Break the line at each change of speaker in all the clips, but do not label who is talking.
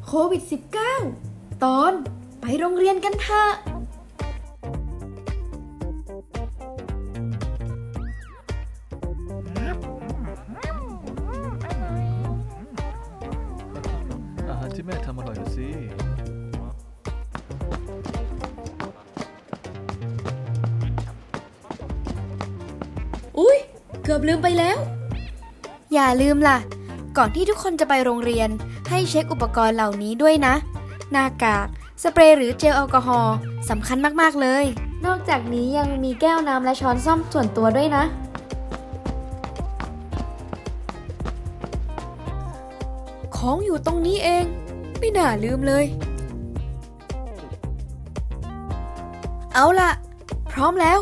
โควิด -19 ตอนไปโรงเรียนกันเถอะ
อาหารที่แม่ทำอร่อยนะสิ
อุ๊ยเกือบลืมไปแล้วอย่าลืมล่ะก่อนที่ทุกคนจะไปโรงเรียนให้เช็คอุปกรณ์เหล่านี้ด้วยนะหน้ากากสเปรย์หรือเจลแอลกอฮอล์สำคัญมากๆเลยนอกจากนี้ยังมีแก้วน้ำและช้อนส้อมส่วนตัวด้วยนะของอยู่ตรงนี้เองไม่น่าลืมเลยเอาล่ะพร้อมแล้ว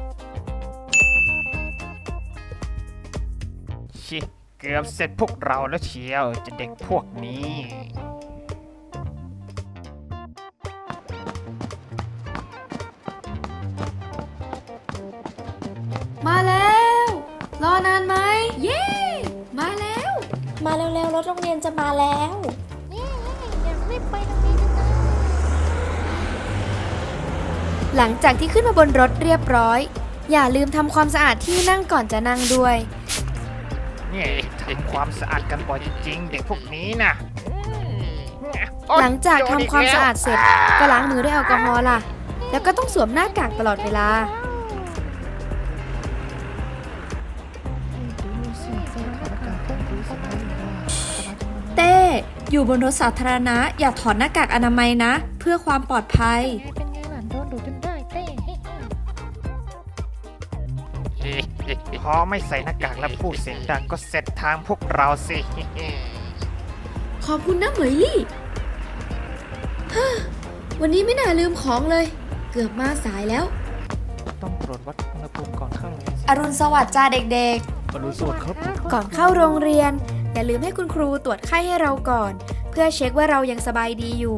ชิเกือบเสร็จพวกเราแล้วเชียวจะเด็กพวกนี้
มาแล้วรอนานไหมเย้มาแล้ว
มาเร็วๆรถโรงเรียนจะมาแล้ว
หลังจากที่ขึ้นมาบนรถเรียบร้อยอย่าลืมทำความสะอาดที่นั่งก่อนจะนั่งด้วย
นี่ทำความสะอาดกันบ่อยจริงๆเด็กพวกนี้นะ
หลังจากทำความสะอาดเสร็จก็ล้างมือด้วยแอลกอฮอล์ล่ะแล้วก็ต้องสวมหน้ากากตลอดเวลา
เต้อยู่บนรถสาธารณะอย่าถอดหน้ากากอนามัยนะ เพื่อความปลอดภัย
เป็นไงล่ะโดนดูดจนได้เต้
พอไม่ใส่หน้ากากและพูดเสียงดังก็เสร็จทางพวกเราสิ
ขอบคุณนะเหมยลี่ฮ่าวันนี้ไม่น่าลืมของเลยเกือบมาสายแล้ว
ต้องตรวจวัดอุณหภูมิก่อนเข้าโรงเรียน
อรุณสวัสดิ์จ้าเด็ก
อรุณสวัสดิ์ครับ
ก่อนเข้าโรงเรียนอย่าลืมให้คุณครูตรวจไข้ให้เราก่อนเพื่อเช็คว่าเรายังสบายดีอยู่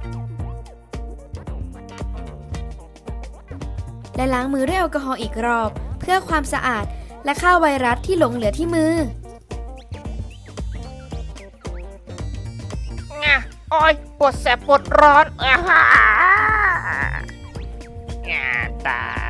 และล้างมือด้วยแอลกอฮอล์อีกรอบเพื่อความสะอาดและฆ่าไวรัสที่หลงเหลือที่มือ
โอ้ยปวดแสบปวดร้อนตาย